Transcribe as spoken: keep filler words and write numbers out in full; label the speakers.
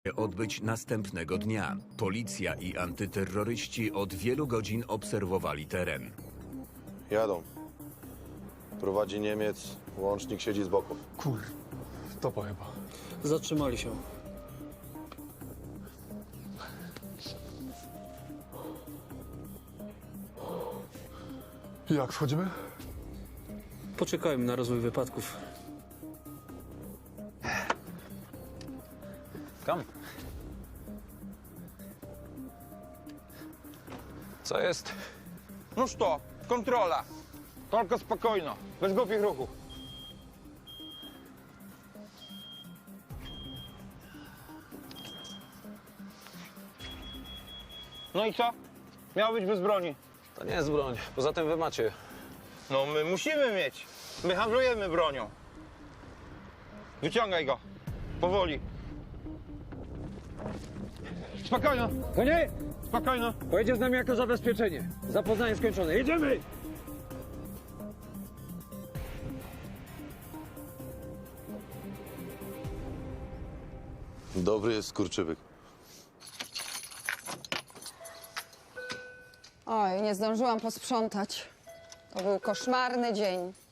Speaker 1: odbyć następnego dnia. Policja i antyterroryści od wielu godzin obserwowali teren.
Speaker 2: Jadą. Prowadzi Niemiec, łącznik siedzi z boku.
Speaker 3: Kur... to chyba.
Speaker 4: Zatrzymali się.
Speaker 3: Jak wchodzimy?
Speaker 4: Poczekajmy na rozwój wypadków.
Speaker 5: Kam? Co jest?
Speaker 6: No что, kontrola. Tylko spokojno, bez głupich ruchów. No i co? Miało być bez broni.
Speaker 5: To nie jest broń. Poza tym wy macie.
Speaker 6: No my musimy mieć. My handlujemy bronią. Wyciągaj go. Powoli. Spokojno.
Speaker 7: Konie!
Speaker 6: Spokojno.
Speaker 7: Pojedzie z nami jako zabezpieczenie. Zapoznanie skończone. Jedziemy!
Speaker 2: Dobry jest skurczybyk.
Speaker 8: Oj, nie zdążyłam posprzątać. To był koszmarny dzień.